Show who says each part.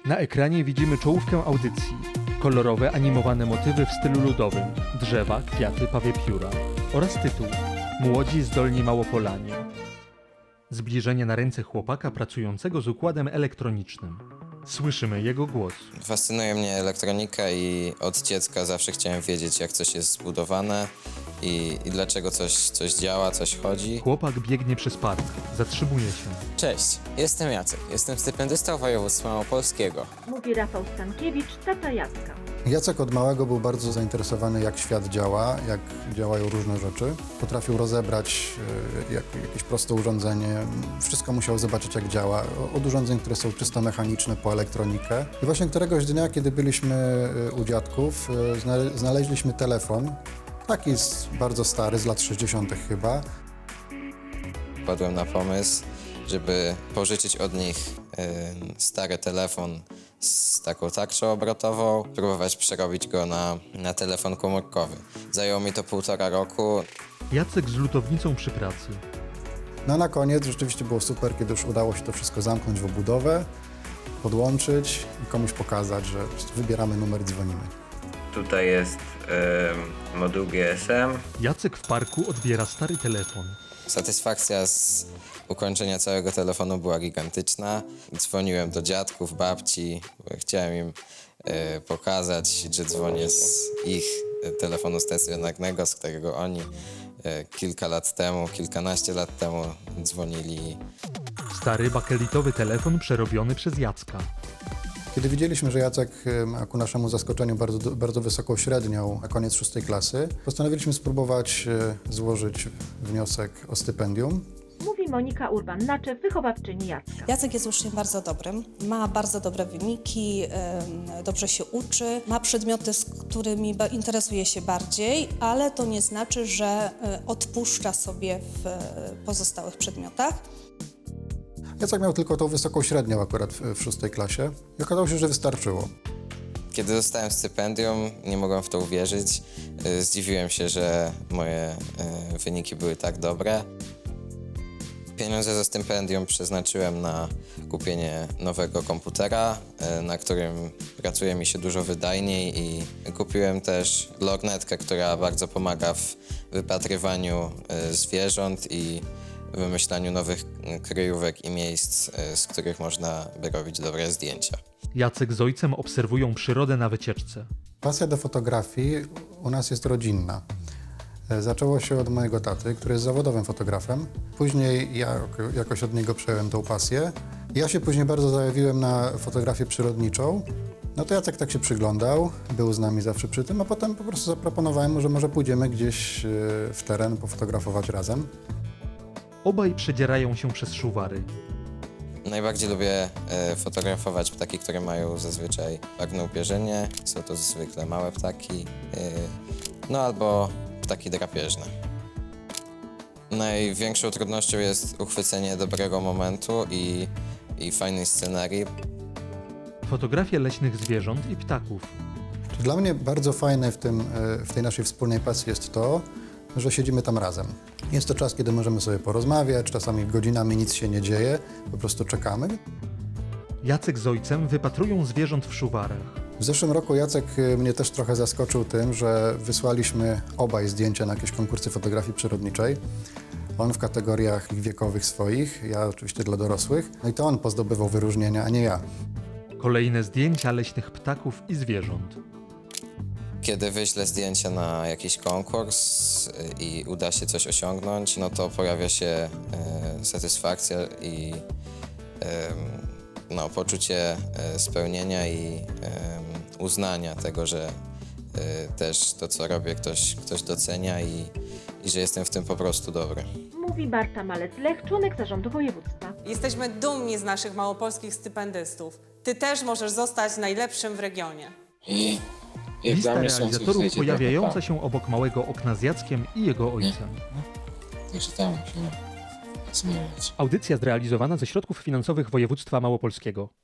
Speaker 1: Na ekranie widzimy czołówkę audycji. Kolorowe, animowane motywy w stylu ludowym, drzewa, kwiaty, pawie pióra oraz tytuł Młodzi zdolni Małopolanie. Zbliżenie na ręce chłopaka pracującego z układem elektronicznym. Słyszymy jego głos.
Speaker 2: Fascynuje mnie elektronika i od dziecka zawsze chciałem wiedzieć, jak coś jest zbudowane i dlaczego coś działa, coś chodzi.
Speaker 1: Chłopak biegnie przez park, zatrzymuje się.
Speaker 3: Cześć, jestem Jacek. Jestem stypendystą województwa małopolskiego.
Speaker 4: Mówi Rafał Stankiewicz, tata Jacka.
Speaker 5: Jacek od małego był bardzo zainteresowany, jak świat działa, jak działają różne rzeczy. Potrafił rozebrać jakieś proste urządzenie. Wszystko musiał zobaczyć, jak działa. Od urządzeń, które są czysto mechaniczne, po elektronikę. I właśnie któregoś dnia, kiedy byliśmy u dziadków, znaleźliśmy telefon. Taki bardzo stary, z lat 60. chyba.
Speaker 2: Wpadłem na pomysł, żeby pożyczyć od nich stary telefon z taką tarczą obrotową, próbować przerobić go na telefon komórkowy. Zajęło mi to 1,5 roku.
Speaker 1: Jacek z lutownicą przy pracy.
Speaker 5: No a na koniec rzeczywiście było super, kiedy już udało się to wszystko zamknąć w obudowę, podłączyć i komuś pokazać, że wybieramy numer i dzwonimy.
Speaker 6: Tutaj jest moduł GSM.
Speaker 1: Jacek w parku odbiera stary telefon.
Speaker 2: Satysfakcja z ukończenia całego telefonu była gigantyczna. Dzwoniłem do dziadków, babci, bo chciałem im pokazać, że dzwonię z ich telefonu stacjonarnego, z którego oni kilkanaście lat temu dzwonili.
Speaker 1: Stary bakelitowy telefon przerobiony przez Jacka.
Speaker 5: Kiedy widzieliśmy, że Jacek ma ku naszemu zaskoczeniu bardzo wysoką średnią na koniec 6. klasy, postanowiliśmy spróbować złożyć wniosek o stypendium.
Speaker 4: Mówi Monika Urban-Naczew, wychowawczyni Jacka.
Speaker 7: Jacek jest uczniem bardzo dobrym, ma bardzo dobre wyniki, dobrze się uczy, ma przedmioty, z którymi interesuje się bardziej, ale to nie znaczy, że odpuszcza sobie w pozostałych przedmiotach.
Speaker 5: Jacek miał tylko tą wysoką średnią akurat w 6. klasie i okazało się, że wystarczyło.
Speaker 2: Kiedy dostałem stypendium, nie mogłem w to uwierzyć. Zdziwiłem się, że moje wyniki były tak dobre. Pieniądze ze stypendium przeznaczyłem na kupienie nowego komputera, na którym pracuje mi się dużo wydajniej, i kupiłem też lornetkę, która bardzo pomaga w wypatrywaniu zwierząt i wymyślaniu nowych kryjówek i miejsc, z których można by robić dobre zdjęcia.
Speaker 1: Jacek z ojcem obserwują przyrodę na wycieczce.
Speaker 5: Pasja do fotografii u nas jest rodzinna. Zaczęło się od mojego taty, który jest zawodowym fotografem. Później ja jakoś od niego przejąłem tą pasję. Ja się później bardzo zajawiłem na fotografię przyrodniczą. No to Jacek tak się przyglądał, był z nami zawsze przy tym, a potem po prostu zaproponowałem mu, że może pójdziemy gdzieś w teren pofotografować razem.
Speaker 1: Obaj przedzierają się przez szuwary.
Speaker 2: Najbardziej lubię fotografować ptaki, które mają zazwyczaj barwne upierzenie. Są to zwykle małe ptaki, no albo ptaki drapieżne. Największą trudnością jest uchwycenie dobrego momentu i fajnej scenarii.
Speaker 1: Fotografie leśnych zwierząt i ptaków.
Speaker 5: Dla mnie bardzo fajne w tej naszej wspólnej pasji jest to, że siedzimy tam razem. Jest to czas, kiedy możemy sobie porozmawiać, czasami godzinami nic się nie dzieje, po prostu czekamy.
Speaker 1: Jacek z ojcem wypatrują zwierząt w szuwarach.
Speaker 5: W zeszłym roku Jacek mnie też trochę zaskoczył tym, że wysłaliśmy obaj zdjęcia na jakieś konkursy fotografii przyrodniczej. On w kategoriach wiekowych swoich, ja oczywiście dla dorosłych. No i to on pozdobywał wyróżnienia, a nie ja.
Speaker 1: Kolejne zdjęcia leśnych ptaków i zwierząt.
Speaker 2: Kiedy wyślę zdjęcia na jakiś konkurs i uda się coś osiągnąć, no to pojawia się satysfakcja i poczucie spełnienia i uznania tego, że też to, co robię, ktoś docenia i że jestem w tym po prostu dobry.
Speaker 4: Mówi Barta Malec-Lech, członek zarządu województwa.
Speaker 8: Jesteśmy dumni z naszych małopolskich stypendystów. Ty też możesz zostać najlepszym w regionie.
Speaker 1: Lista realizatorów pojawiająca się obok małego okna z Jackiem i jego ojcem.
Speaker 3: Także tam musimy zmieniać.
Speaker 1: Audycja zrealizowana ze środków finansowych województwa małopolskiego.